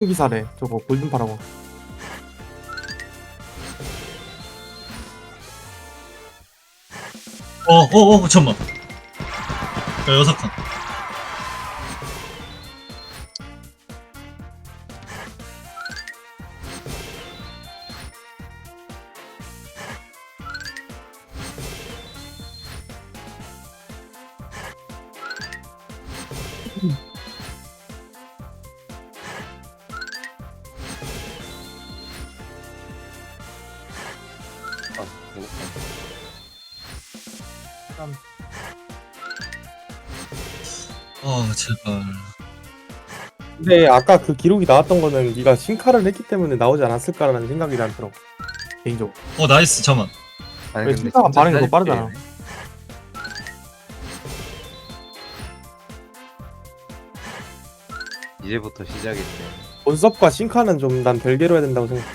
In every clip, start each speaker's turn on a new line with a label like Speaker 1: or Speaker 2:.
Speaker 1: 기사래. 저거 골든파라고.
Speaker 2: 잠깐만. 야, 여섯 칸. 제발.
Speaker 1: 근데 아까 그 기록이 나왔던 거는 네가 신카를 했기 때문에 나오지 않았을까라는 생각이 난 들어. 개인적으로.
Speaker 2: 나이스, 잠깐만.
Speaker 3: 아니
Speaker 1: 왜
Speaker 3: 근데
Speaker 1: 신카가
Speaker 3: 진짜
Speaker 1: 반응이 더
Speaker 3: 짧게
Speaker 1: 빠르잖아.
Speaker 3: 해. 이제부터 시작이네.
Speaker 1: 본섭과 신카는 좀 난 별개로 해야 된다고 생각.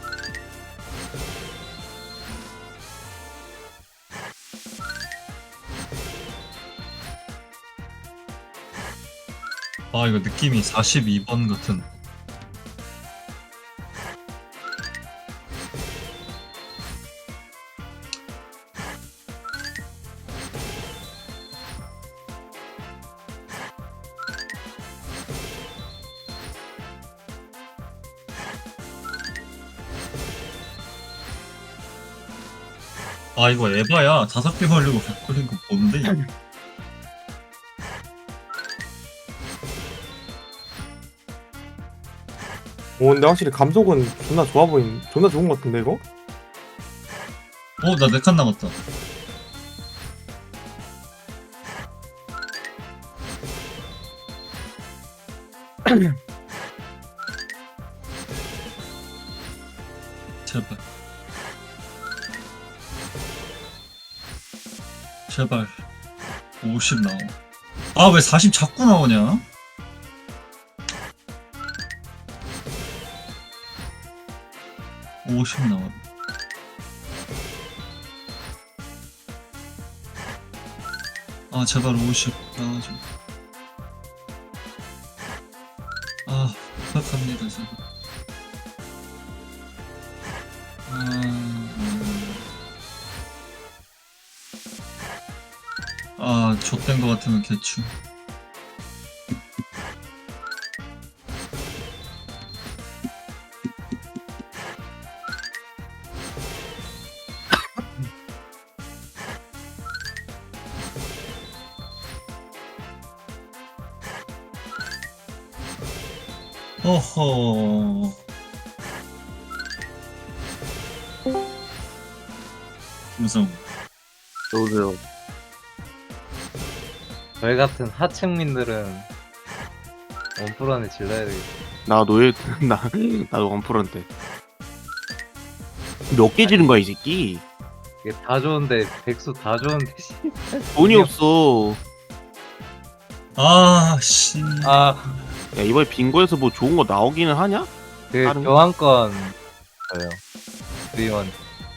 Speaker 2: 이거 느낌이 42번 같은. 이거 에바야. 5개 걸리고 100 걸린 거 뭔데?
Speaker 1: 오, 근데 확실히 감속은 존나 좋아 보인. 존나 좋은 것 같은데 이거?
Speaker 2: 나 4칸 남았다. 제발. 제발. 50 나와. 왜 40 자꾸 나오냐? (50) 나와. 제발 50 나와줘. 부탁합니다, 제발. 좆된 거 같으면 개추. 어허. 무서워.
Speaker 3: 저도요. 저희 같은 하층민들은 원풀 안에 질러야 되겠다.
Speaker 4: 나도 원프런트 몇 개 지른 거야 이 새끼.
Speaker 3: 이게 다 좋은데 백수 다 좋은데 씨.
Speaker 4: 돈이 없어.
Speaker 2: 씨.
Speaker 4: 야 이번에 빙고에서 뭐 좋은 거 나오기는 하냐?
Speaker 3: 그
Speaker 4: 다른 거?
Speaker 3: 교환권 저요. 의원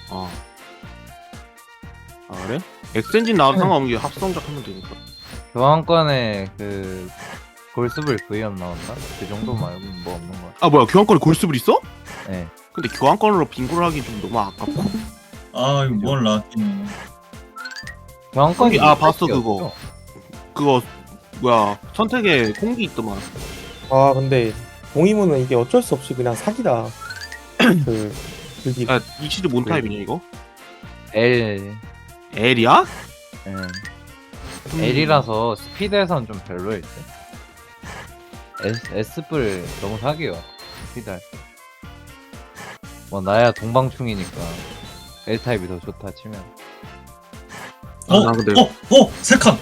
Speaker 4: 그래? 엑센진 나와도 상관없는 게 합성작 하면 되니까.
Speaker 3: 교환권에 그 골수불 V업 나온다. 그 정도 말고 뭐 없는 거야.
Speaker 4: 뭐야 교환권에 골수불 있어?
Speaker 3: 네.
Speaker 4: 근데 교환권으로 빙고를 하기 좀 너무 아깝고.
Speaker 2: 이거 뭘 라기는.
Speaker 3: 교환권이
Speaker 4: 봤어 그거. 그거 뭐야 선택에 공기 있더만.
Speaker 1: 근데 동의문은 이게 어쩔 수 없이 그냥 사기다. 그기
Speaker 4: 야 이 시드 뭔 타입이냐 이거?
Speaker 3: L.
Speaker 4: L이야?
Speaker 3: L이라서 스피드에선 좀 별로일 때. S뿔 너무 사기요. 스피드 할 때. 뭐 나야 동방충이니까 L 타입이 더 좋다 치면.
Speaker 4: 근데
Speaker 2: 3칸!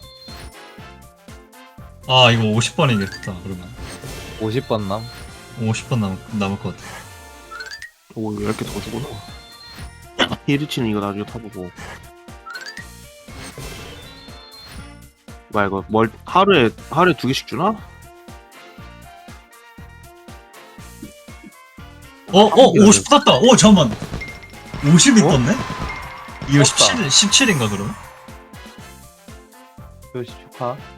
Speaker 2: 이거 50번이겠다, 그러면.
Speaker 3: 50번 남?
Speaker 2: 50번 남을 것 같아.
Speaker 4: 오 이렇게 더 주구나. 히리치는 이거 나중에 타보고. 뭐야 이거 하루에 2개씩 주나?
Speaker 2: 50 땄다! 잠깐만! 50이
Speaker 1: 어?
Speaker 2: 떴네? 이거
Speaker 3: 떴다.
Speaker 2: 17인가, 그럼?
Speaker 3: 조시 축하.